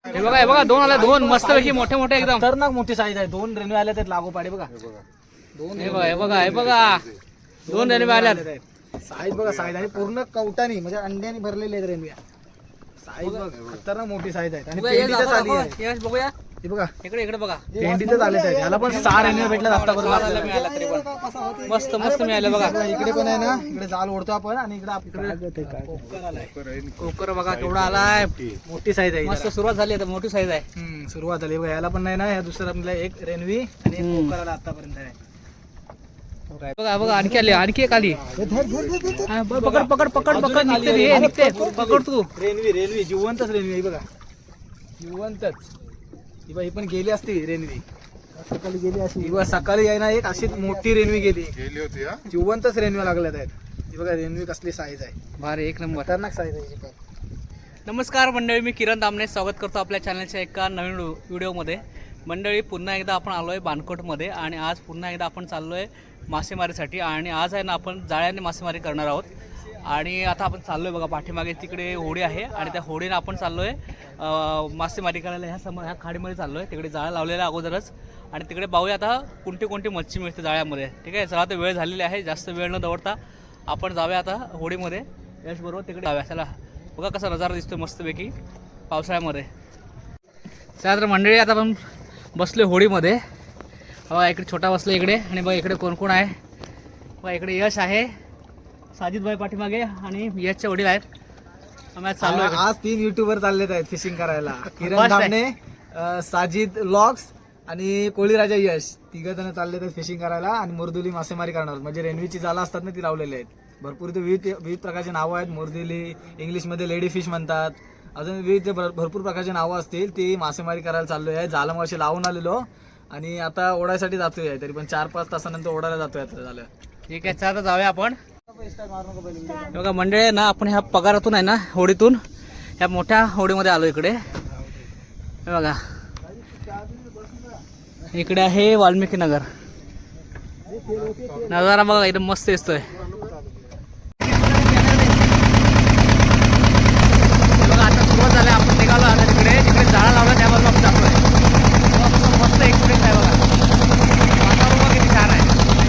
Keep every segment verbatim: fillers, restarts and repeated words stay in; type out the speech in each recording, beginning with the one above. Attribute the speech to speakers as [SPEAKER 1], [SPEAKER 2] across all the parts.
[SPEAKER 1] हे बघा हे बघा दोन आले दोन मस्त पैकी मोठे मोठे एकदम
[SPEAKER 2] खतरनाक मोठी साईज आहे. दोन रेल्वे आल्या आहेत लागोपाडी बघा. दोन
[SPEAKER 1] हे बघा हे बघा हे बघा दोन रेल्वे आल्यात.
[SPEAKER 2] साईज बघा साईज आणि पूर्ण कवटानी म्हणजे अंड्याने भरलेले आहेत रेल्वे. साईज बघा खतरनाक मोठी साईज आहे आणि पेंडीचं चाली आहे.
[SPEAKER 1] यश बघूया
[SPEAKER 2] हे बघा
[SPEAKER 1] इकडे इकडे बघा
[SPEAKER 2] पेंडीचं चालत आहे. याला पण सहा रेल्वे भेटला आतापर्यंत आपल्याला.
[SPEAKER 1] मिळाला तरी पण मस्त मस्त मिळालं बघा.
[SPEAKER 2] बघा, इकडे पण आहे ना, इकडे जाल ओढतो आपण आणि इकडे इकडे
[SPEAKER 1] कोकर बघा केवढा आलाय.
[SPEAKER 2] मोठी साईज आहे.
[SPEAKER 1] मस्त सुरुवात झाली आता मोठी साईज आहे.
[SPEAKER 2] हम्म, सुरुवात झाली बघा. याला पण नाही ना, या दुसरा आपल्याला एक रेनवी आणि एक कोकर आला आतापर्यंत आहे.
[SPEAKER 1] बघा बघा आणखी आली आणखी एक आली. हा, ब- पकड पकड पकड पकड निघते रे, हे निघते पकड तू.
[SPEAKER 2] रेनवी रेनवी जिवंतच रेनवी आहे बघा. जिवंतच ही बघा, ही पण गेली असती रेनवी. सकाळी गेली असती ही बघा. सकाळी आहे ना एक अशी मोठी रेनवी गेली
[SPEAKER 3] गेली होती हा.
[SPEAKER 2] जिवंतच रेनवी लागल्यात आहेत. ही बघा रेनवी कसली साईज आहे.
[SPEAKER 1] भारी एक नंबर.
[SPEAKER 2] खतरनाक साईज आहे ही पण.
[SPEAKER 1] नमस्कार मंडळी, मी किरण दामने स्वागत करतो आपल्या चॅनलच्या एका नवीन व्हिडिओमध्ये. मंडळी पुन्हा एकदा आपण आलो आहे बाणकोटमध्ये आणि आज पुन्हा एकदा आपण चाललो आहे मासेमारीसाठी. आणि आज आहे ना आपण जाळ्याने मासेमारी करणार आहोत. आणि आता आपण चाललो आहे बघा, पाठीमागे तिकडे होडी आहे आणि त्या होडीनं आपण चाललो आहे मासेमारी करायला. ह्या समोर ह्या खाडीमध्ये चाललो आहे. तिकडे जाळं लावलेलं आहे अगोदरच आणि तिकडे पाहूया आता कोणती कोणती मच्छी मिळते जाळ्यामध्ये. ठीक आहे, चला आता वेळ झालेली आहे, जास्त वेळ न दवडता आपण जाऊया आता होडीमध्ये. यश बरोबर तिकडे जाऊया. चला बघा कसा नजारा दिसतोय मस्तपैकी पावसाळ्यामध्ये. चला तर मंडळी आता आपण बसलो होडीमध्ये. बघा इकडे छोटा बसलो इकडे आणि बघा इकडे कोण कोण आहे. बघा इकडे यश आहे, साजिदभाई पाठीमागे आणि यशच्या वडील आहेत. आम्ही आज चाललो आहे.
[SPEAKER 2] आज तीन युट्यूबर चाललेत आहेत फिशिंग करायला. किरण
[SPEAKER 1] First आहे.
[SPEAKER 2] धामणे, अं, साजिद व्लॉग्स आणि कोळीराजा यश तिघ जण चाललेत आहेत फिशिंग करायला आणि मुरदुली मासेमारी करणार. म्हणजे रेनवीची जाळं असतात ना ती लावलेली आहेत. भरपूर ते विविध विविध प्रकारचे नावं आहेत. मुरदुली इंग्लिशमध्ये लेडी फिश म्हणतात. अजून विविध भर- भरपूर प्रकारचे नावं असतील. ती मासेमारी करायला चाललो आहे. जाळं मासे लावून आलेलो आणि आता ओढायसाठी जातोय. तरी पण चार पाच तासानंतर ओढायला जातोय आता झालं.
[SPEAKER 1] ठीक आहे, चला आता जाऊया आपण. बघा मंडळी ना, आपण ह्या पगारातून आहे ना होडीतून ह्या मोठ्या होडीमध्ये आलो इकडे. हे बघा इकडे आहे वाल्मिकी नगर. नजारा बघा एकदम मस्त दिसतोय. बघा आता सुरुवात झाली, आपण निघालो आता तिकडे तिकडे जाळा लावला त्यावर आपण जातोय. बघा कसं मस्त एक्सपिरियन्स आहे बघा. वातावरण बघा किती छान आहे.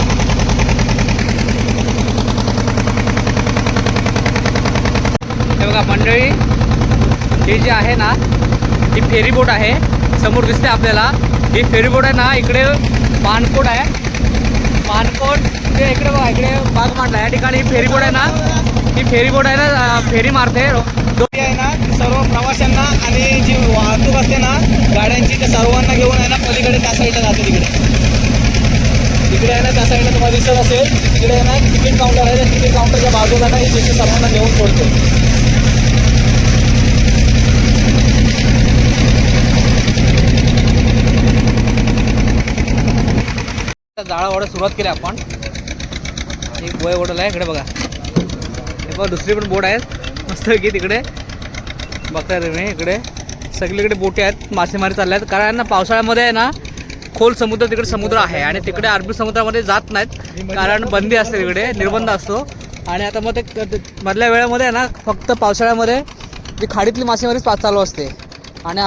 [SPEAKER 1] हे बघा मंडळी, ही जी आहे ना ही फेरी बोट आहे. समोर दिसते आपल्याला ही फेरी बोट आहे ना. इकडे बाणकोट आहे. बाणकोट ते इकडे बघा, इकडे बाग मांडला. या ठिकाणी ही फेरी बोट आहे ना, ही फेरी बोट आहे ना फेरी मारते.
[SPEAKER 2] दोन्ही आहे ना सर्व प्रवाशांना आणि जी वाहतूक असते ना गाड्यांची, त्या सर्वांना घेऊन आहे ना पलीकडे त्या साईडला जाते. तिकडे तिकडे आहे ना त्या साईडला तुम्हाला दिसत असेल. तिकडे आहे ना तिकीट काउंटर आहे. त्या तिकीट काउंटरच्या बाजूला ना ही तिथे सर्वांना घेऊन सोडते.
[SPEAKER 1] जाळा ओढायला सुरुवात केली आपण. एक बोय ओढला आहे इकडे बघा. हे बघा दुसरी पण बोट आहेत मस्त की तिकडे बघताय तुम्ही. इकडे सगळीकडे बोटी आहेत, मासेमारी चालल्या आहेत. कारण ना पावसाळ्यामध्ये आहे ना खोल समुद्र, तिकडे समुद्र आहे आणि तिकडे अरबी समुद्रामध्ये जात नाहीत कारण बंदी असते, तिकडे निर्बंध असतो. आणि आता मग ते मधल्या वेळामध्ये आहे ना फक्त पावसाळ्यामध्ये जी खाडीतली मासेमारी चालू असते. आणि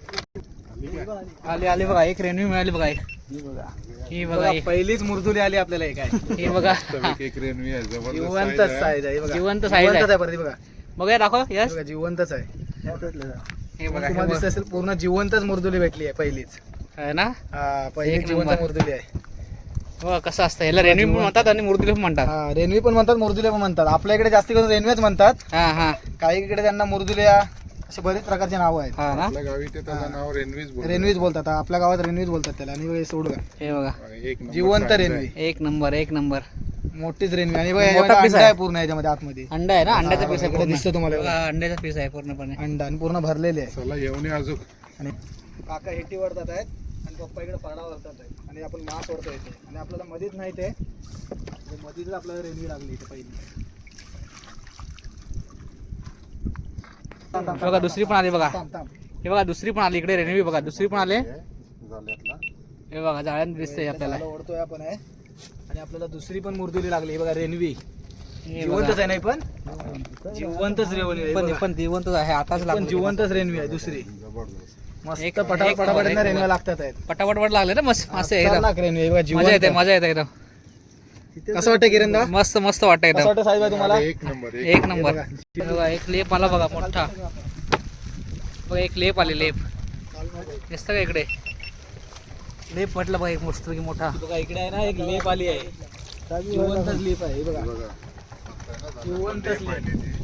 [SPEAKER 1] आली आली बघा, एक रेनवी मिळाली बघा. एक ही बघा,
[SPEAKER 2] पहिलीच मुरदुली आली आपल्याला. एक आहे
[SPEAKER 1] ही बघा
[SPEAKER 3] एक रेनवी आहे, जबरदस्त
[SPEAKER 2] जिवंत
[SPEAKER 3] size आहे.
[SPEAKER 2] साईज आहे. बघा
[SPEAKER 1] जिवंत size
[SPEAKER 2] जिवंतच
[SPEAKER 1] आहे.
[SPEAKER 2] आहे परत बघा.
[SPEAKER 1] बघा दाखव यश.
[SPEAKER 2] बघा जिवंतच आहे.
[SPEAKER 1] हे बघा
[SPEAKER 2] तुम्हाला दिसत असेल पूर्ण जिवंतच मुरदुली भेटली आहे पहिलीच.
[SPEAKER 1] आहे ना.
[SPEAKER 2] हा पहिली
[SPEAKER 1] एक
[SPEAKER 2] जिवंत
[SPEAKER 1] नंबर.
[SPEAKER 2] मुरदुली आहे.
[SPEAKER 1] बघा कसं असतं, ह्याला रेनवी पण म्हणतात आणि मुरदुली पण म्हणतात.
[SPEAKER 2] हा रेनवी पण म्हणतात, मुरदुल्या पण म्हणतात. आपल्या इकडे जास्त करून रेनवेच म्हणतात.
[SPEAKER 1] हा हा
[SPEAKER 2] काही इकडे त्यांना मुरदुल्या असे बरेच प्रकारचे नाव आहेत.
[SPEAKER 1] हा ना.
[SPEAKER 3] आपल्या गावी ते त्याचं नाव रेनवीज बोलतात.
[SPEAKER 2] रेनवीज बोलतात. आपल्या गावात रेनवीज बोलतात त्याला. आणि सोड
[SPEAKER 1] हे बघा
[SPEAKER 3] एक नंबर
[SPEAKER 2] जिवंत
[SPEAKER 3] size आहे.
[SPEAKER 2] रेनवी,
[SPEAKER 1] एक नंबर एक नंबर.
[SPEAKER 2] मोठीच रेनवी. आणि बघा
[SPEAKER 1] मोठा
[SPEAKER 2] याच्यामध्ये
[SPEAKER 1] piece
[SPEAKER 2] अंडा
[SPEAKER 1] आहे.
[SPEAKER 2] आहे पूर्ण याच्यामध्ये आतमध्ये.
[SPEAKER 1] अंडा आहे ना, अंड्याचा
[SPEAKER 2] हा,
[SPEAKER 1] पीस आहे
[SPEAKER 2] इकडे
[SPEAKER 1] पूर्ण.
[SPEAKER 2] दिसतं तुम्हाला
[SPEAKER 1] बघा, अंड्याचा पीस आहे पूर्णपणे.
[SPEAKER 2] अंडा आणि पूर्ण भरलेले आहे.
[SPEAKER 3] चला येऊन या अजून.
[SPEAKER 2] आणि काका हेटी वरतात आहेत आणि पप्पा इकडे पाडा वरतात आहेत आणि आपण मास वरतो येते. आणि आपल्याला मधीच नाही ते मधीच आपल्याला रेनवी लागली इथे पहिली.
[SPEAKER 1] बघा दुसरी पण आली बघा.
[SPEAKER 2] थांब थांब.
[SPEAKER 1] हे बघा दुसरी पण आली इकडे रेनवी. बघा दुसरी पण आले.
[SPEAKER 3] झाल्यातला
[SPEAKER 1] हे बघा जाळ्यात दिसतंय आपल्याला.
[SPEAKER 2] ओढतोय आपण आहे आणि आपल्याला दुसरी पण मुरदुली लागली. हे बघा रेनवी.
[SPEAKER 1] हे
[SPEAKER 2] जिवंतच
[SPEAKER 1] बघा.
[SPEAKER 2] आहे नाही पण जिवंतच रेवणी आहे
[SPEAKER 1] पण
[SPEAKER 2] बघा.
[SPEAKER 1] पण जिवंतच आहे आताच
[SPEAKER 2] पण
[SPEAKER 1] लागलं
[SPEAKER 2] जिवंतच रेल्वे आहे दुसरी
[SPEAKER 3] जबरदस्त.
[SPEAKER 2] मस्त
[SPEAKER 1] एक-
[SPEAKER 2] पटापट
[SPEAKER 1] एक
[SPEAKER 2] पटापट
[SPEAKER 1] नंबर,
[SPEAKER 2] यांना
[SPEAKER 1] एक
[SPEAKER 2] रेल्वे
[SPEAKER 1] नंबर.
[SPEAKER 2] लागतात आहेत
[SPEAKER 1] पटापट वर लागले ना मस्त मासे एकदम
[SPEAKER 2] खतरनाक रेल्वे आहे बघा
[SPEAKER 1] मजा येते
[SPEAKER 2] जिवंत
[SPEAKER 1] मजा येते एकदम
[SPEAKER 2] कसं वाटतं किरणदा
[SPEAKER 1] मस्त मस्त वाटतं
[SPEAKER 2] कसं
[SPEAKER 1] एकदम
[SPEAKER 2] वाटतं साहेब तुम्हाला
[SPEAKER 3] एक नंबर एक
[SPEAKER 1] एक नंबर बघा एक लेप आला बघा मोठा बघा एक लेप आले लेप दिसतं का इकडे लेप म्हटलं बघा एक मस्त की मोठा
[SPEAKER 2] बघा इकडे आहे ना एक लेप आली आहे जिवंतच लेप आहे हे बघा
[SPEAKER 3] बघा
[SPEAKER 2] जिवंतच लेप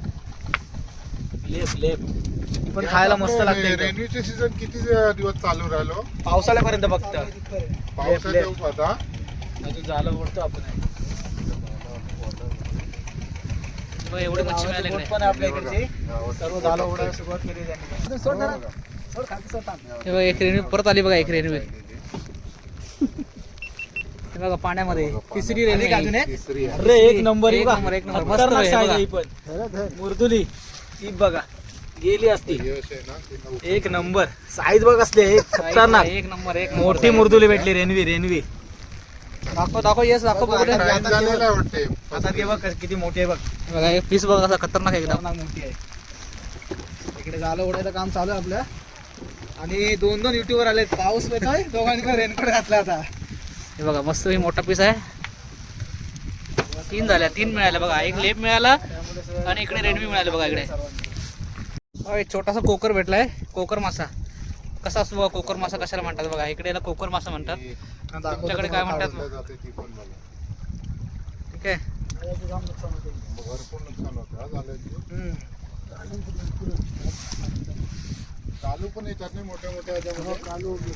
[SPEAKER 2] लेप लेप ही पण खायला मस्त लागते एकदम.
[SPEAKER 3] रेल्वेचे सीझन किती दिवस चालू राहिलो
[SPEAKER 2] पावसाळ्यापर्यंत फक्त
[SPEAKER 3] पावसात
[SPEAKER 2] लेप.
[SPEAKER 3] येऊ आता
[SPEAKER 2] अजून झालं ओढतो आपण
[SPEAKER 1] बघा एवढे मच्छी मिळाले
[SPEAKER 2] बोट
[SPEAKER 1] इकडे
[SPEAKER 2] पण आहे आपल्या इकडची सर्व झालं ओढायला सुरुवात केली त्यांनी सोड जरा. सोड, खाली सोड, थांब.
[SPEAKER 1] हे बघा एक रेल्वे परत आली बघा एक रेल्वे हे बघा पाण्यामध्ये तिसरी
[SPEAKER 2] आली
[SPEAKER 1] रेल्वे
[SPEAKER 2] का अजून एक?
[SPEAKER 3] तिसरी आहे.
[SPEAKER 2] अरे एक नंबर
[SPEAKER 1] एक
[SPEAKER 2] ही बघा.
[SPEAKER 1] नंबर, एक नंबर.
[SPEAKER 2] खतरनाक
[SPEAKER 1] मस्त आहे,
[SPEAKER 2] size आहे
[SPEAKER 1] बघा.
[SPEAKER 2] ही पण मुर्दुली ही बघा गेली असती
[SPEAKER 3] यश आहे ना ते नऊ.
[SPEAKER 2] एक नंबर साईज बघ असले एक खतरनाक
[SPEAKER 1] एक नंबर एक नंबर.
[SPEAKER 2] मोठी मुर्दुली भेटली रेनवी रेनवी
[SPEAKER 1] दाखव दाखव येस दाखव बघू दे.
[SPEAKER 3] Time झालेला आहे वाटते
[SPEAKER 2] आता ते बघ कशी- किती मोठी आहे बघ
[SPEAKER 1] बघा एक पीस बघा कसा खतरनाक आहे एकदम
[SPEAKER 2] खतरनाक मोठी आहे इकडे झालं ओढायचं काम चालू आहे आपलं आणि दोन दोन युट्यूबर आले पाऊस येतोय दोघांनी पण रेनकोट घातला आता
[SPEAKER 1] हे बघा मस्त ही मोठा पीस आहे तीन झाल्या तीन मिळाल्या बघा एक लेप मिळाला आणि इकडे रेडमी मिळाले बघा इकडे बघा, एक छोटासा कोकर भेटलाय कोकर मासा कसा असतो बघा कोकर मासा कशाला म्हणतात बघा इकडे याला कोकर मासा म्हणतात तुमच्याकडे काय म्हणतात
[SPEAKER 3] काढलं जाते ती पण बघा.
[SPEAKER 1] ठीक आहे
[SPEAKER 3] भरपूर नुकसान होतं हा झालं
[SPEAKER 2] हम्म.
[SPEAKER 3] चालू पण येतात नाही मोठ्या मोठ्या ह्याच्यामध्ये.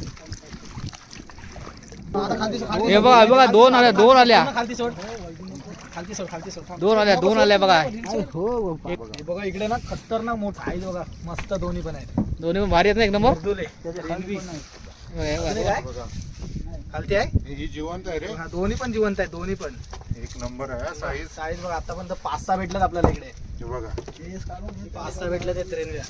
[SPEAKER 2] आता खालती सोड, खालती
[SPEAKER 1] हे बघा हे बघा दोन आल्या दोन आल्या
[SPEAKER 2] सोड, खालती सोड खालती सोड खालती सोड
[SPEAKER 1] दोन आल्या दोन आल्या बघा
[SPEAKER 2] हे बघा इकडे ना खतरनाक मोठा आहे बघा मस्त दोन्ही पण आहेत
[SPEAKER 1] दोन्ही पण भारी आहेत ना एकदम
[SPEAKER 2] मुर्दुले रेनवी.
[SPEAKER 1] बघा, हे बघा.
[SPEAKER 2] काय
[SPEAKER 3] बघा
[SPEAKER 2] खालती आहे
[SPEAKER 3] ही- ही जिवंत आहे रे
[SPEAKER 2] हा, दोन्ही पण जिवंत आहेत दोन्ही पण
[SPEAKER 3] एक नंबर आहे साईज
[SPEAKER 2] साईज बघा आतापर्यंत पाच सहा भेटल्यात आपल्याला इकडे
[SPEAKER 3] हे बघा
[SPEAKER 2] पाच सहा भेटल्यात आहेत रेनव्या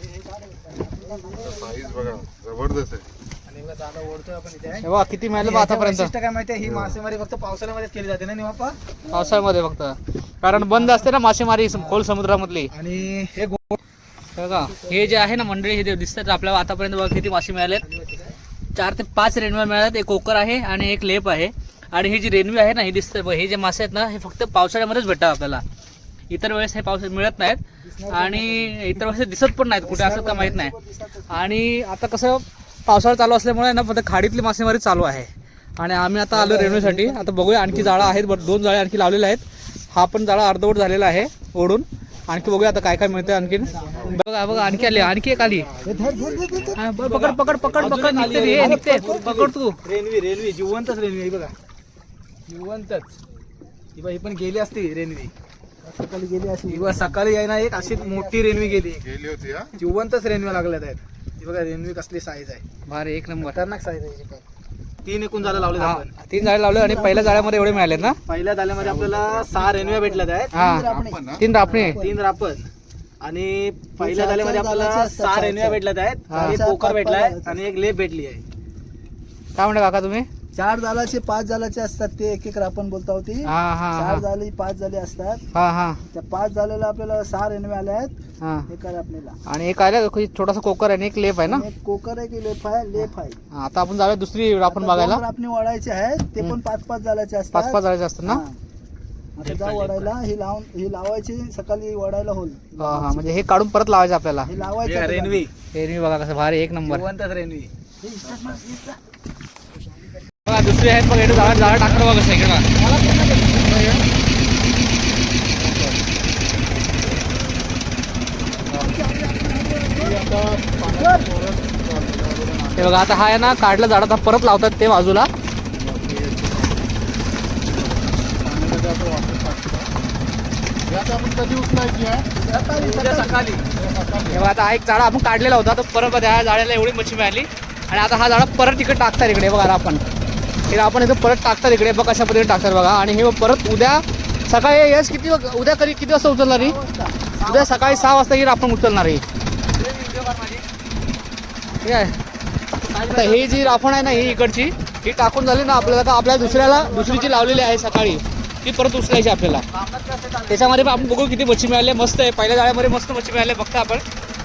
[SPEAKER 3] साईज बघा जबरदस्त आहे
[SPEAKER 2] आणि बघा झालं ओढतोय आपण इथे
[SPEAKER 1] हे बघा किती मिळालं बघा
[SPEAKER 2] याचं
[SPEAKER 1] आतापर्यंत
[SPEAKER 2] वैशिष्ट्य काय माहितीये ही मासेमारी फक्त पावसाळ्यामध्येच केली जाते ना निवापा
[SPEAKER 1] पावसाळ्यामध्ये फक्त कारण बंद असते ना मासेमारी सम- खोल समुद्रामधली
[SPEAKER 2] आणि हे गो-
[SPEAKER 1] हे बघा हे जे आहे ना मंडळी हे जे दिसतात आपल्याला आतापर्यंत बघा किती मासे मिळालेत चार ते पाच रेणव्या मिळाल्यात एक कोकर आहे आणि एक लेप आहे आणि ही जी रेणवी आहे ना हे दिसतं बघ, हे जे मासे आहेत ना हे फक्त पावसाळ्यामध्येच भेटतात आपल्याला इतर वेळेस हे पावसाळ्यात मिळत नाहीत आणि इतर वेळेस हे दिसत पण नाहीत कुठे असं का माहीत नाही आणि आता कसं पावसाळा चालू असल्यामुळे ना फक्त खाडीतली मासेमारी चालू आहे आणि आम्ही आता आलो रेणूसाठी आता बघूया आणखी जाळं आहेत बरं दोन जाळे आणखी लावलेले आहेत हा पण जाळा अर्धवट झालेला आहे ओढून आणखी बघूया आता काय काय मिळतंय आणखीन बघा बघा आणखी आली आणखी एक आली हा, बरं, पकड पकड पकड पकड निघते रे, हे निघते पकड तू
[SPEAKER 2] रेनवी रेनवी जिवंतच रेनवी ही बघा जिवंतच ही बघा ही पण गेली असती रेनवी सकाळी गेली असती ही बघा सकाळी आहे ना एक अशी मोठी रेनवी गेली
[SPEAKER 3] गेली होती हा
[SPEAKER 2] जिवंतच रेनव्या लागल्यात आहेत ही बघा रेनवी कसली साईज आहे
[SPEAKER 1] भारी एक नंबर
[SPEAKER 2] खतरनाक साईज आहे हिची पण. तीन एकूण झालं लावले
[SPEAKER 1] हा,
[SPEAKER 2] आपण
[SPEAKER 1] तीन झाडे लावले आणि पहिल्या जाळ्यामध्ये एवढे मिळालेत ना
[SPEAKER 2] पहिल्या दाल्यामध्ये आपल्याला सहा रेनव्या भेटल्यात आहेत
[SPEAKER 1] हा
[SPEAKER 3] आपण ना
[SPEAKER 1] तीन रापणे
[SPEAKER 2] तीन रापण आणि पहिल्या दाल्यामध्ये आपल्याला सहा रेनव्या भेटल्यात आहेत एक कोकर भेटलाय आणि एक लेप भेटली आहे
[SPEAKER 1] काय म्हणता काका तुम्ही
[SPEAKER 4] चार जालाचे पाच जालाचे असतात ते एक एक आपण बोलता होती
[SPEAKER 1] हा हा
[SPEAKER 4] चार
[SPEAKER 1] हा
[SPEAKER 4] जाली पाच जाले असतात
[SPEAKER 1] हा हा
[SPEAKER 4] त्या पाच जालेला आपल्याला सहा रेणवे आल्या आहेत
[SPEAKER 1] हा
[SPEAKER 4] हे काय आपल्याला
[SPEAKER 1] आणि एक आलं छोटासा कोकर आहे आणि एक लेप आहे ना
[SPEAKER 4] एक कोकर आहे की लेफ आहे लेफ आहे
[SPEAKER 1] हा, आता आपण जाऊया दुसरी आपण बघायला
[SPEAKER 4] आपण वाढायचे आहेत ते पण पाच पाच जालाचे
[SPEAKER 1] पाच
[SPEAKER 4] असतात
[SPEAKER 1] पाच जाळ्याचे असतात ना
[SPEAKER 4] हा. आता जाऊ वाढायला ही लावून ही लावायची सकाळी वाढायला होईल
[SPEAKER 1] हा हा म्हणजे हे काढून परत लावायचं आपल्याला
[SPEAKER 4] हे लावायचे
[SPEAKER 2] रेनवी
[SPEAKER 1] हे मी बघा कसं भारी एक नंबर
[SPEAKER 2] जिवंतच रेनवी
[SPEAKER 1] बघा दुसरी आहेत बघा इकडे जाळा जाळा टाकतो बघा कसं इकडे बघा. हे बघा आता हा आहे ना काढलं झाड आता परत लावतात ते बाजूला
[SPEAKER 3] हे आता आपण कधी उचलायची आहे
[SPEAKER 2] उद्या सकाळी
[SPEAKER 1] हे बघा आता हा एक जाळा आपण काढलेला होता तर परत ह्या जाळ्याला एवढी मच्छी मिळाली आणि आता हा जाळा परत इकडे टाकतात इकडे बघा आता आपण हे आपण इथं परत टाकतात इकडे बघा कशा पद्धतीने टाकतात बघा आणि हे परत उद्या सकाळी यश किती उद्या कधी किती वाजता उचलणार ही उद्या सकाळी सहा वाजता ही आपण उचलणार ही ठीक आहे आता ही जी राफण आहे ना ही इकडची ही टाकून झाली ना आपल्याला तर आपल्या दुसऱ्याला दुसरीची लावलेली आहे सकाळी ती परत उचलायची आपल्याला. त्याच्यामध्ये पण आपण बघू किती मच्छी मिळाली. मस्त आहे, पहिल्या जाळ्यामध्ये मस्त मच्छी मिळाली बघता आपण.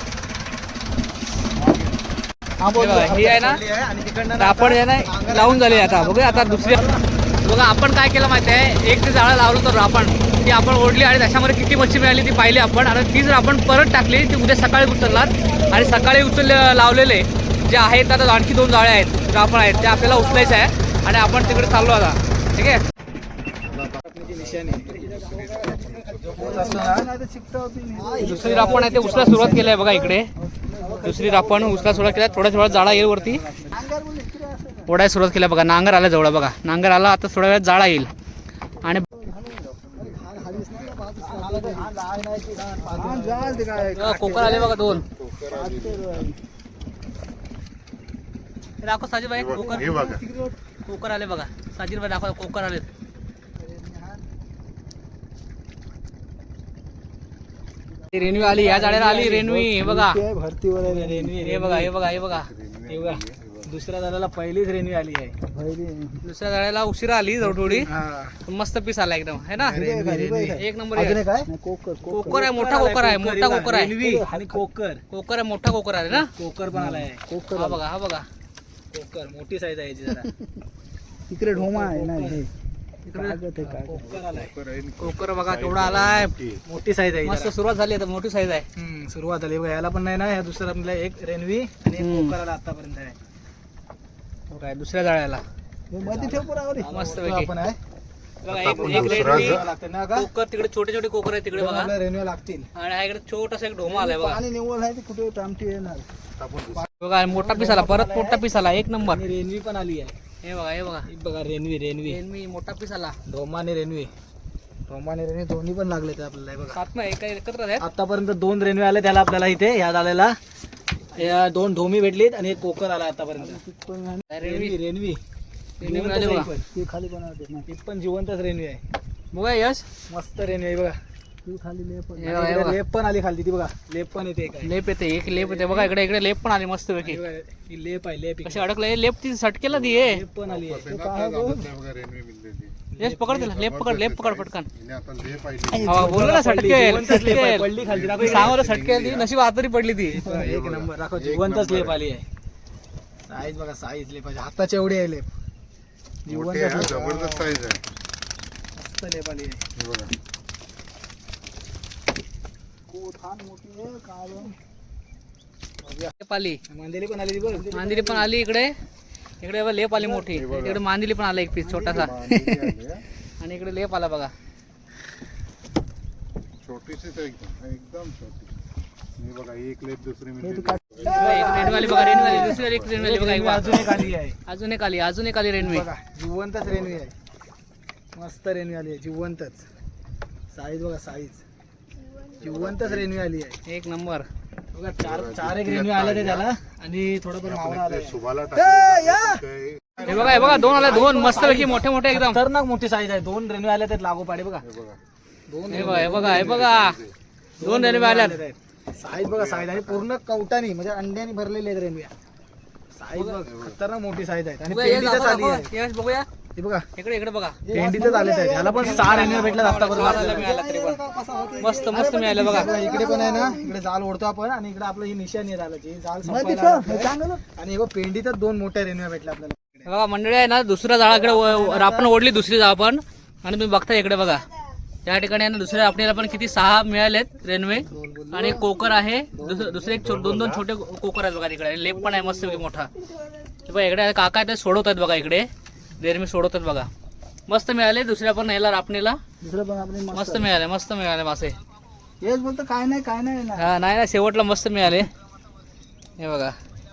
[SPEAKER 4] हा बोल.
[SPEAKER 1] हे बघा, ही आहे ना
[SPEAKER 2] आणि तिकडनं
[SPEAKER 1] तर आपण आहे ना लावून झाले. आता बघूया आता दुसरी बघा आपण काय केलं माहिती आहे, एक ते जाळं लावलं तर आपण ती आपण ओढली आणि त्याच्यामध्ये किती मच्छी मिळाली ती पाहिली आपण. आणि ती जर आपण परत टाकली ती उद्या सकाळी उचलणार आणि सकाळी उचल लावलेले जे आहेत आता आणखी दोन जाळे आहेत आपण आहेत ते आपल्याला उचलायचं आहे आणि आपण तिकडे चाललो आता. ठीक आहे. दुसरी रापण आहे ते उचला सुरुवात केली आहे बघा इकडे. दुसरी रापण उचला सुरुवात केला. थोड्या थोडा जाळा येईल वरती ओढायला सुरुवात केल्या बघा. नांगर आला जवळ बघा. नांगर आला आता थोड्या वेळात जाळा येईल. आणि कोकर आले बघा दोन. दाखव साजीबाई कोकर.
[SPEAKER 3] हे बघा
[SPEAKER 1] कोकर आले बघा. साजीबाई दाखव कोकर आले. रेणवी आली या जाळ्याला आली रेणवी. हे बघा
[SPEAKER 4] भरतीवर आहे
[SPEAKER 2] रेनवी
[SPEAKER 1] हे बघा हे बघा हे बघा
[SPEAKER 2] हे बघा दुसऱ्या झाडाला पहिलीच रेनवी आली आहे.
[SPEAKER 1] दुसऱ्या जाळ्याला उशिरा आली थोडी. मस्त पीस आला एकदम है ना. एक नंबर आहे.
[SPEAKER 4] काय कोकर
[SPEAKER 1] कोकर आहे, मोठा कोकर आहे, मोठा कोकर आहे.
[SPEAKER 2] रेनवी आणि कोकर
[SPEAKER 1] कोकर आहे, मोठा कोकर आहे ना.
[SPEAKER 2] कोकर पण आलाय.
[SPEAKER 1] हा बघा हा बघा
[SPEAKER 2] कोकर मोठी साईज आहे याची जरा.
[SPEAKER 4] तिकडे ढोमा आहे ना हे.
[SPEAKER 2] कोकर आलाय.
[SPEAKER 1] कोकर बघा केवढा आलाय.
[SPEAKER 2] मोठी साईज आहे
[SPEAKER 1] मस्त
[SPEAKER 2] जरा.
[SPEAKER 1] सुरुवात झाली आता मोठी साईज आहे.
[SPEAKER 2] हम्म, सुरुवात आली बघा. याला पण नाही ना ह्या दुसऱ्या आपल्याला एक रेनवी आणि एक
[SPEAKER 1] हम्म.
[SPEAKER 2] कोकर आला आतापर्यंत आहे.
[SPEAKER 1] काय दुसऱ्या जाळ्याला
[SPEAKER 4] मध्ये ठेव पुरावर
[SPEAKER 1] मस्त
[SPEAKER 2] तो
[SPEAKER 1] पैकी
[SPEAKER 2] आपण आहे.
[SPEAKER 1] बघा. एक
[SPEAKER 3] आपण
[SPEAKER 1] एक
[SPEAKER 3] दुसरा
[SPEAKER 1] रेडमी
[SPEAKER 3] जर-
[SPEAKER 2] लागते ना का
[SPEAKER 1] कोकर तिकडे छोटे छोटे कोकर आहे तिकडे बघा.
[SPEAKER 2] आपल्याला रेनवी लागतील.
[SPEAKER 1] आणि हा इकडे छोटासा एक ढोमा आलाय बघा.
[SPEAKER 4] पाणी निवड आहे ते कुठे टामटी येणार.
[SPEAKER 1] बघा मोठा पीस आला परत मोठा पीस आला एक नंबर.
[SPEAKER 2] आणि रेनवी पण आली आहे.
[SPEAKER 1] हे बघा हे बघा
[SPEAKER 2] ही बघा रेनवी रेनवी
[SPEAKER 1] रेडमी मोठा पीस आला.
[SPEAKER 2] ढोमा आणि रेनवी. ढोमा आणि रेनवी दोन्ही पण लागले ते आपल्याला. हे बघा
[SPEAKER 1] सात ना एका एकत्र आहेत.
[SPEAKER 2] आतापर्यंत दोन रेनवे आले त्याला आपल्याला इथे ह्या झालेला. या दोन ढोमी भेटलीत आणि एक कोकर आला आतापर्यंत.
[SPEAKER 1] रेडमी
[SPEAKER 2] रेनवी रेनवी
[SPEAKER 1] रेडमी मिळाली बघा.
[SPEAKER 4] ते खाली बनवते ना.
[SPEAKER 2] ही पण जिवंतच रेनवी आहे.
[SPEAKER 1] बघा यश
[SPEAKER 2] मस्त रेनवी आहे बघा.
[SPEAKER 4] ती खाली लेप
[SPEAKER 1] हे बघा, हे
[SPEAKER 2] इकडे
[SPEAKER 1] बघा.
[SPEAKER 2] लेप पण आली खाली ती बघा. लेप पण येते काय.
[SPEAKER 1] लेप येते एक लेप येते बघा. इकडे इकडे लेप पण आली मस्त पैकी.
[SPEAKER 2] ही लेप आहे लेप.
[SPEAKER 1] कशी अडकलं लेप ती सटकेला ती आहे.
[SPEAKER 2] लेप पण आली आहे.
[SPEAKER 1] यश पकड तिला लेप पकड लेप पकड पटकन.
[SPEAKER 3] आता ले पाहिजे
[SPEAKER 1] हा बोललो ना सटकेल
[SPEAKER 2] जिवंतच लेप आहे.
[SPEAKER 1] सटकेल.
[SPEAKER 2] पडली खाली दाखव.
[SPEAKER 1] सांगतो सटकेल ती नशीब आतरी पडली ती.
[SPEAKER 2] एक नंबर दाखव. जिवंतच लेप आली आहे. साईज बघा साईज लेपाची हाताच्या एवढी आहे लेप.
[SPEAKER 3] मोठे आहे, जबरदस्त साईज आहे.
[SPEAKER 2] मस्त लेप आली आहे.
[SPEAKER 3] हे बघा
[SPEAKER 4] खान मोठी आहे काढून.
[SPEAKER 1] लेप आली.
[SPEAKER 2] मांदेली पण आली ती बघ.
[SPEAKER 1] मांदिली पण आली इकडे. इकडे बघा लेप आली मोठी. इकडे मांदिली पण आला एक पीस छोटासा.
[SPEAKER 3] मांदेली आली आहे.
[SPEAKER 1] आणि इकडे लेप आला बघा.
[SPEAKER 3] छोटीशीच आहे एकदम एकदम छोटी. हे बघा एक लेप दुसरी
[SPEAKER 4] हे
[SPEAKER 3] मिळते.
[SPEAKER 4] तू काढ.
[SPEAKER 1] एक रेणवाली बघा रेणवाली दुसरी एक रेणवाली बघा एक बघा.
[SPEAKER 2] अजून एक आली आहे.
[SPEAKER 1] अजून एक आली अजून एक आली रेणवी.
[SPEAKER 2] बघा जिवंतच रेनवी आहे. मस्त रेनवी आली आहे जिवंतच. साईज बघा साईज जिवंतच रेनवी आली आहे.
[SPEAKER 1] एक नंबर.
[SPEAKER 2] बघा चार चार एक रेनवी आले ते त्याला आणि थोडं पण मावळा आलाय.
[SPEAKER 3] सुभाला
[SPEAKER 1] हे बघा हे बघा दोन आले दोन मस्त पैकी मोठे मोठे एकदम.
[SPEAKER 2] खतरनाक मोठी साईज आहे. दोन रेनवी आले त्यात लागू पाडे बघा. दोन
[SPEAKER 1] हे बघा हे बघा हे बघा दोन रेल्वे आल्यात.
[SPEAKER 2] साईज बघा साईज आणि पूर्ण कवटानी म्हणजे अंड्याने भरलेले आहेत रेनव्या. साईज बघ खतरनाक मोठी साईज आहे. आणि
[SPEAKER 1] बघूया, हे
[SPEAKER 2] पेंडीतच आली आहे.
[SPEAKER 1] दाखवा, यश बघूया
[SPEAKER 2] हे बघा
[SPEAKER 1] इकडे इकडे बघा.
[SPEAKER 2] पेंडीतच आले आहेत. याला पण सहा रेनव्या भेटल्यात आतापर्यंत
[SPEAKER 1] मिळाला
[SPEAKER 2] आपल्याला.
[SPEAKER 1] तरी पण मस्त मस्त मिळालं बघा.
[SPEAKER 2] बघा, इकडे पण आहे ना इकडे जाल ओढतो आपण आणि इकडे आपलं ही निशाणी आहे जालाची. ही जाल
[SPEAKER 4] मध्ये
[SPEAKER 2] संपायला
[SPEAKER 4] ठेव. हे
[SPEAKER 2] आली.
[SPEAKER 4] चांगलं.
[SPEAKER 2] आणि हे बघ पेंडीतच दोन मोठ्या रेनव्या भेटल्या आपल्याला.
[SPEAKER 1] हे बघा मंडळी आहे ना दुसऱ्या झाडाकडे आपण ओढली दुसरी जाळ पण. आणि तुम्ही बघता इकडे बघा त्या ठिकाणी आहे ना दुसऱ्या आपल्याला पण किती सहा मिळालेत रेनवे. आणि एक कोकर आहे दुस- दुसरे एक छो- दोन दोन छोटे कोकर आहेत बघा तिकडे. लेप पण आहे मस्त पैकी मोठा. हे बघा इकडे काका ते सोडवत आहेत बघा इकडे रेनवे सोडवत आहेत बघा. मस्त मिळाले दुसऱ्या पण याला रापणीला
[SPEAKER 4] दुसरं पण आपली
[SPEAKER 1] मस्त मिळाले मस्त मिळाले मासे.
[SPEAKER 4] हेच बोलतो काय नाही काय नाही ना.
[SPEAKER 1] हा नाही ना शेवटला मस्त मिळाले. हे बघा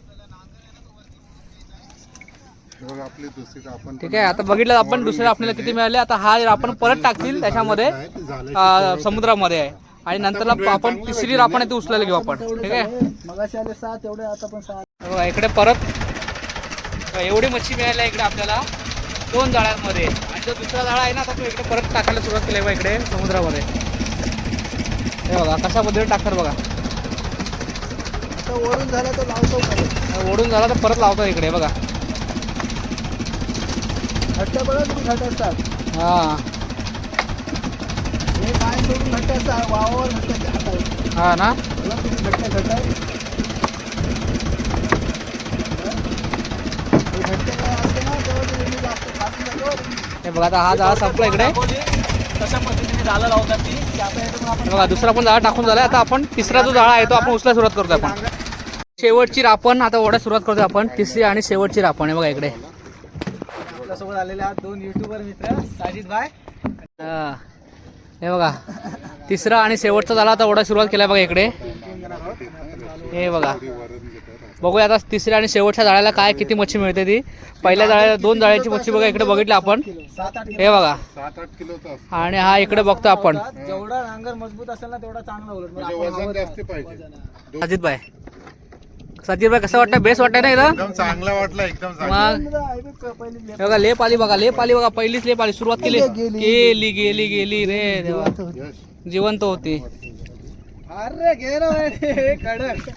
[SPEAKER 3] हे बघा आपली दुसरी आपण
[SPEAKER 1] ठीक आहे. आता बघितलं आपण दुसऱ्या आपल्याला किती मिळाले. आता हा आपण परत टाकतील त्याच्यामध्ये अं, समुद्रामध्ये आहे. आणि नंतरला आपण तिसरी रापण आहे ती उचलायला घेऊ आपण. ठीक आहे.
[SPEAKER 4] मगाशी आले सहा तेवढे आता पण सहा.
[SPEAKER 1] हे बघा इकडे परत एवढी मच्छी मिळाली आहे इकडे आपल्याला दोन जाळ्यांमध्ये. आणि जो दुसरा जाळा आहे ना आता तो इकडे परत टाकायला सुरुवात केली आहे बघा इकडे समुद्रामध्ये. हे बघा कशा पद्धतीने टाकतात बघा.
[SPEAKER 4] आता वरून झाला तर लावतो परत.
[SPEAKER 1] ओढून झाला तर परत लावतात इकडे बघा.
[SPEAKER 4] हट्टा बघा तुम्ही घाट असतात.
[SPEAKER 1] हा
[SPEAKER 4] हे काय सोडून घट्ट असं आहे, वावावर घट्ट आहे, आता आहे.
[SPEAKER 1] हा ना
[SPEAKER 4] बघा किती घट्ट घट्ट आहे. हे घट्ट काय असते ना तेव्हा ते रेल्वे जास्त खात नाही बरं.
[SPEAKER 1] हे बघा आता हा जाळा संपला इकडे.
[SPEAKER 2] कशा पद्धतीने जाळं लावतात ती की आता याच्यातून आपण
[SPEAKER 1] हे बघा दुसरा पण जाळा टाकून झाला. आता आपण तिसरा जो जाळा आहे तो आपण उचलायला सुरुवात करतो. आपण शेवटची रापण आता ओढायला सुरुवात करतो आपण. तिसरी आणि शेवटची रापण आहे बघा इकडे.
[SPEAKER 2] आपल्यासोबत आलेले आहात दोन युट्यूबर मित्र साजिद भाई.
[SPEAKER 1] हा. हे बघा तिसरा आणि शेवटचा झाला आता ओढायला सुरुवात केला बघा इकडे. हे बघा बघूया आता तिसऱ्या आणि शेवटच्या जाळ्याला काय किती मच्छी मिळते ती. पहिल्या जाळ्याला दोन जाळ्याची मच्छी बघा इकडे बघितली आपण.
[SPEAKER 2] सात आठ
[SPEAKER 1] हे बघा
[SPEAKER 3] सात आठ किलोचा
[SPEAKER 1] आणि हा इकडे बघतो आपण.
[SPEAKER 2] जेवढा नांगर मजबूत असेल ना तेवढा चांगला उलट मग
[SPEAKER 3] म्हणजे
[SPEAKER 2] आपण
[SPEAKER 3] वजन
[SPEAKER 2] हवं
[SPEAKER 3] जास्त
[SPEAKER 2] त्या-
[SPEAKER 3] पाहिजे.
[SPEAKER 1] साजिद भाई साजिद भाई कसं वाटतं? बेस्ट वाटतंय ना इथं?
[SPEAKER 3] एकदम चांगला वाटला एकदम चांगला.
[SPEAKER 1] मग
[SPEAKER 4] आहे बघ, पहिली
[SPEAKER 1] हे बघा लेप आली बघा. लेप आली बघा. पहिलीच लेप आली. सुरुवात केली गेली गेली गेली रे देवा.
[SPEAKER 3] यश.
[SPEAKER 1] जिवंत होती.
[SPEAKER 2] अरे घे ना हे कडक.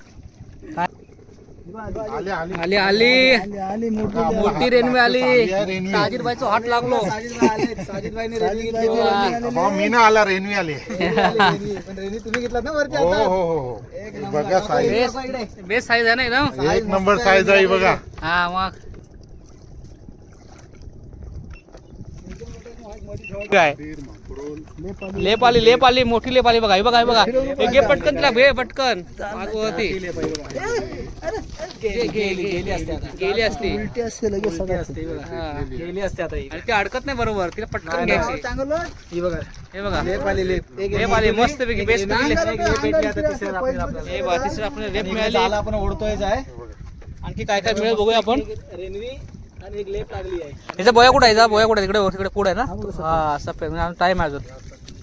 [SPEAKER 3] आले आले
[SPEAKER 1] आली आली
[SPEAKER 4] आली आली मोठी
[SPEAKER 1] मोठी रेल्वे आली.
[SPEAKER 3] रेल्वे.
[SPEAKER 1] साजिद भाईचा हात लागलो.
[SPEAKER 2] साजिद भाई आले. साजिद भाईने रेल्वे घेतली.
[SPEAKER 4] साजिद भाईची
[SPEAKER 2] वा.
[SPEAKER 4] रेल्वे
[SPEAKER 3] अहो, मी ना आला रेल्वे आले.
[SPEAKER 2] रेल्वे. पण रेल्वे तुम्ही घेतलात ना वरती
[SPEAKER 3] हो
[SPEAKER 2] आता.
[SPEAKER 3] हो हो हो
[SPEAKER 2] एक
[SPEAKER 3] हे
[SPEAKER 2] नंबर.
[SPEAKER 3] बघा साईज
[SPEAKER 1] बेस्ट बेस्ट साईज आहे ना एकदम.
[SPEAKER 3] एक नंबर साईज आहे बघा.
[SPEAKER 1] हा मग काय लेप आली लेप आली मोठी लेप आली बघा. हे बघा हे बघा हे घे पटकन तिला घे पटकन. मागवती
[SPEAKER 2] गेली गेली गेली असते आता.
[SPEAKER 1] गेली असती
[SPEAKER 4] उलटी असते लगेच
[SPEAKER 2] गेली
[SPEAKER 4] सगळं
[SPEAKER 2] असते बघा.
[SPEAKER 1] हा.
[SPEAKER 2] गेली असते आता ही.
[SPEAKER 1] आणि ती अडकत नाही बरोबर. तिला पटकन
[SPEAKER 2] नाही,
[SPEAKER 1] घ्यायची.
[SPEAKER 4] चांगलं
[SPEAKER 2] ही बघा
[SPEAKER 1] हे बघा
[SPEAKER 2] लेप आली लेप. एक
[SPEAKER 1] लेप आली मस्त पैकी बेस्ट
[SPEAKER 2] एक
[SPEAKER 1] पैकी लेप.
[SPEAKER 2] लेप भेटली आता तिसऱ्या रात्रीला आपल्याला.
[SPEAKER 1] हे बघा तिसरी आपण लेप
[SPEAKER 2] आणि
[SPEAKER 1] मिळाली.
[SPEAKER 2] झाला आपण ओढतोयच आहे.
[SPEAKER 1] आणखी काय काय मिळेल बघूया आपण.
[SPEAKER 2] एक रेल्वे आणि एक लेप लागली आहे.
[SPEAKER 1] याचा बोया कुठे आहे? याचा बोया कुठे आहे? तिकडे तिकडे पुढे आहे ना. हा सफेद टाइम आहे अजून.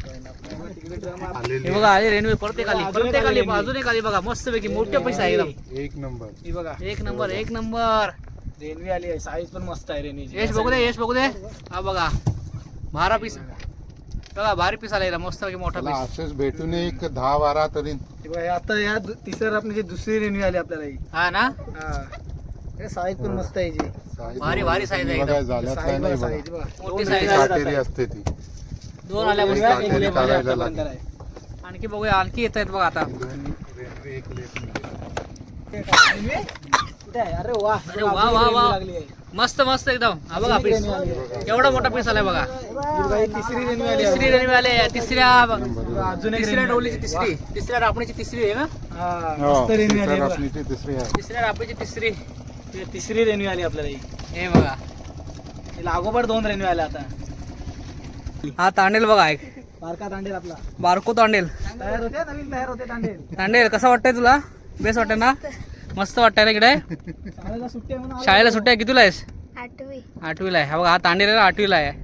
[SPEAKER 1] हे बघा आली रेल्वे परत एक आली परत एक आली अजून एक आली बघा. मस्त पैकी मोठे पैसे आहे एकदम.
[SPEAKER 3] एक नंबर.
[SPEAKER 2] ही बघा
[SPEAKER 1] एक नंबर एक नंबर.
[SPEAKER 2] रेल्वे आली आहे. साईज पण मस्त आहे रेल्वेची.
[SPEAKER 1] यश बघू दे यश बघू दे. हा बघा भारा पीस बघा भारी पीस आला मस्त पैकी मोठा
[SPEAKER 3] त्याला
[SPEAKER 1] पीस.
[SPEAKER 3] असेच भेटून एक दहा बारा तरी
[SPEAKER 2] ही बघा, हे आता या दु- तिसऱ्या आपली जी दुसरी रेल्वे आली आपल्याला ही.
[SPEAKER 1] हा ना
[SPEAKER 2] हा साईज पण मस्त आहे जी.
[SPEAKER 3] साईज
[SPEAKER 1] भारी- भारी size आहे
[SPEAKER 3] बघा,
[SPEAKER 1] एकदम.
[SPEAKER 3] झाल्यात
[SPEAKER 2] साईज
[SPEAKER 3] काय नाही
[SPEAKER 2] बघा,
[SPEAKER 3] बघा.
[SPEAKER 2] साईज बघा.
[SPEAKER 1] मोठी
[SPEAKER 2] दोन
[SPEAKER 1] size
[SPEAKER 2] रेल्वे
[SPEAKER 1] आहे.
[SPEAKER 2] आल्यात
[SPEAKER 3] काटेरी
[SPEAKER 2] आता.
[SPEAKER 3] असते ती.
[SPEAKER 1] दोन आल्या
[SPEAKER 2] रेल्वे
[SPEAKER 1] मस्त.
[SPEAKER 2] एक
[SPEAKER 3] काटेरी
[SPEAKER 2] लेप आली
[SPEAKER 3] काढायला
[SPEAKER 2] आतापर्यंत
[SPEAKER 3] लागेल.
[SPEAKER 2] आहे.
[SPEAKER 1] आणखी बघूया आणखी येत आहेत बघा आता.
[SPEAKER 3] दोन रेल्वे एक लेप मिळते.
[SPEAKER 2] रेल्वे? कुठे आहे? अरे वा
[SPEAKER 1] अरे वा, वा, वा.
[SPEAKER 2] रेल्वे लागली आहे.
[SPEAKER 1] मस्त मस्त एकदम. हा बघा पीस
[SPEAKER 2] रेल्वे आली आहे.
[SPEAKER 1] एवढा मोठा पीस आलाय बघा.
[SPEAKER 2] ही बघा, ही तिसरी रेल्वे आली आहे.
[SPEAKER 1] तिसरी रेल्वे आले तिसऱ्या
[SPEAKER 2] अजून एक
[SPEAKER 1] तिसऱ्या
[SPEAKER 2] रेल्वे
[SPEAKER 1] डोलीची
[SPEAKER 2] आली.
[SPEAKER 1] तिसरी तिसऱ्या रापणीची तिसरी आहे ना.
[SPEAKER 2] हा,
[SPEAKER 3] हो,
[SPEAKER 2] मस्त रेल्वे
[SPEAKER 3] तिसऱ्या
[SPEAKER 2] आली आहे बघा.
[SPEAKER 3] रापणीची तिसरी आहे.
[SPEAKER 1] तिसऱ्या रापणीची तिसरी.
[SPEAKER 2] ही तिसरी रेल्वे आली आपल्याला ही.
[SPEAKER 1] हे बघा
[SPEAKER 2] ही लागोपाठ दोन रेल्वे आल्या आता.
[SPEAKER 1] हा तांडेल बघा एक
[SPEAKER 2] बारका तांडेल आपला
[SPEAKER 1] बारको तांडेल.
[SPEAKER 2] तयार होते नवीन तयार होते तांडेल.
[SPEAKER 1] तांडेल कसं वाटतंय तुला? बेस्ट वाटतंय ना? मस्त वाटतंय ना इकडे.
[SPEAKER 2] शाळेला सुट्टी आहे म्हणून आलो.
[SPEAKER 1] शाळेला सुट्ट्या आहे. कितीला आहेस?
[SPEAKER 5] आठवी
[SPEAKER 1] आठवीला आहे. हा बघा हा तांडेल आहे ना, आठवीला आहे.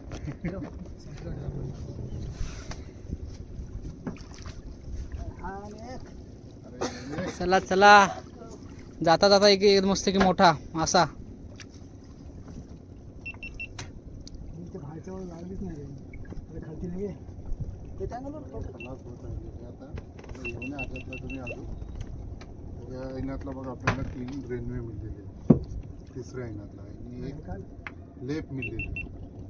[SPEAKER 1] चला चला जाता जाता एक एक मस्त की मोठा मासा.
[SPEAKER 4] ते बाहेरच्या वर लागलीच नाही रे. अरे खालती नाही आहे. ते चांगलं बरं.
[SPEAKER 3] खलास होत आहे. हे आता येऊन आल्यातला तुम्ही आलो. या इनातला बघा आपल्याला तीन रेल्वे मिळलेले आहेत. तिसऱ्या इनातला आणि एक लेप मिळलेली.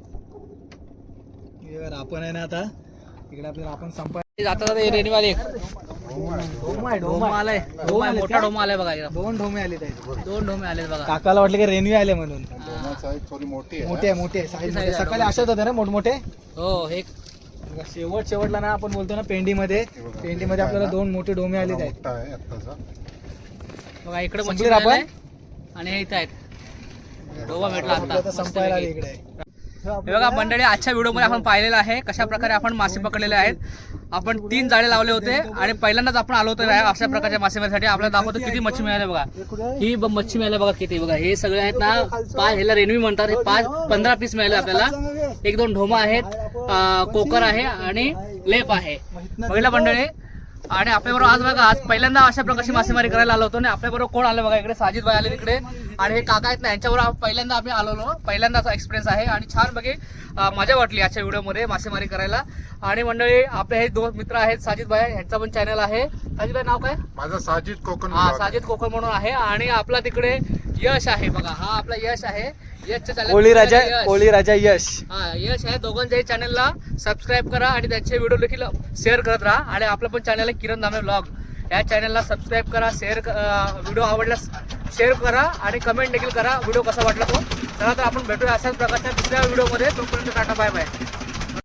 [SPEAKER 2] हे बघा, आपण आहे ना आता इकडे आपल्याला आपण संपाय
[SPEAKER 1] जाता जाता रेल्वेवाले एक
[SPEAKER 2] ढोमा आहे,
[SPEAKER 1] ढोमा
[SPEAKER 2] ढोमा
[SPEAKER 1] आलाय. ढोमा आहे, मोठा ढोमा आलाय बघा इकडं.
[SPEAKER 2] दोन ढोमे आले आहेत.
[SPEAKER 1] दोन ढोमे आलेत बघा.
[SPEAKER 2] काकाला वाटलं की रेल्वे आले म्हणून.
[SPEAKER 3] दोन साईज थोडी मोठी आहे.
[SPEAKER 2] मोठे आहे मोठे आहे. साईज
[SPEAKER 1] size आहे,
[SPEAKER 2] सकाळी
[SPEAKER 1] ढोमा.
[SPEAKER 2] अशाच होते ना मोठमोठे.
[SPEAKER 1] हो हे
[SPEAKER 2] बघा, शेवट शेवटला ना आपण बोलतो ना पेंडीमध्ये पेंडीमध्ये आपल्याला दोन मोठे डोमे आलेत आहेत.
[SPEAKER 3] मोठा आहे आत्ताचा.
[SPEAKER 1] बघा इकडे मच्छी
[SPEAKER 2] संपली आपण?
[SPEAKER 1] मिळाली आणि हे इथं आहेत. ढोमा भेटला
[SPEAKER 2] आपलं आता
[SPEAKER 1] आता
[SPEAKER 2] संपायला आली
[SPEAKER 1] मस्तपैकी.
[SPEAKER 2] इकडे.
[SPEAKER 1] हे बघा मंडळी आजच्या व्हिडिओमध्ये आपण पाहिलेलं आहे कशा प्रकारे आपण मासे पकडलेले आहेत. आपण तीन जाळे लावले होते आणि पहिल्यांदाच आपण आलो होतो या अशा प्रकारच्या मासेमारीसाठी. आपल्याला दाखवतो किती मच्छी मिळाली बघा. ही ब- मच्छी मिळाली बघा किती बघा. हे सगळे आहेत ना पाच ह्याला रेन्वी म्हणतात. हे पाच पंधरा पीस मिळाले आपल्याला. एक दोन ढोमा आहेत, अं, कोकर आहे आणि लेप आहे. पहिला मंडळी आणि आपल्याबरोबर आज बघा आज पहिल्यांदा अशा प्रकारची मासेमारी करायला आलो होतो आणि आपल्याबरोबर कोण आलं बघा इकडे साजिद भाई आले तिकडे आणि हे काका आहेत ना यांच्याबरोबर आप- पहिल्यांदा आम्ही आलेलो. पहिल्यांदाचा एक्सपिरियन्स आहे आणि छान बघे अं, मजा वाटली आजच्या व्हिडिओमध्ये मासेमारी करायला. आणि मंडळी आपले हे दोन मित्र आहेत साजिद भाई यांचा पण चॅनल आहे. साजिद भाई नाव काय?
[SPEAKER 3] माझा साजिद कोकण
[SPEAKER 1] हा
[SPEAKER 3] vlog.
[SPEAKER 1] साजिद कोकण म्हणून आहे. आणि आपला तिकडे यश आहे बघा. हा आपला यश आहे. यशच्या channel-
[SPEAKER 2] कोळी राजा
[SPEAKER 1] यश.
[SPEAKER 2] कोळी राजा यश.
[SPEAKER 1] हा यश आहे दोघांच्याही चॅनलला सबस्क्राईब करा आणि त्यांचे व्हिडिओ देखील शेअर करत राहा. आणि आपलं पण चॅनल आहे किरण दामणे व्लॉग, या चॅनलला सबस्क्राईब करा, शेअर व्हिडिओ आवडल्यास शेअर करा आणि कमेंट देखील करा व्हिडिओ कसा वाटला तो. चला तर आपण भेटूया अशाच प्रकारच्या दुसऱ्या व्हिडिओमध्ये. तोपर्यंत टाटा बाय बाय.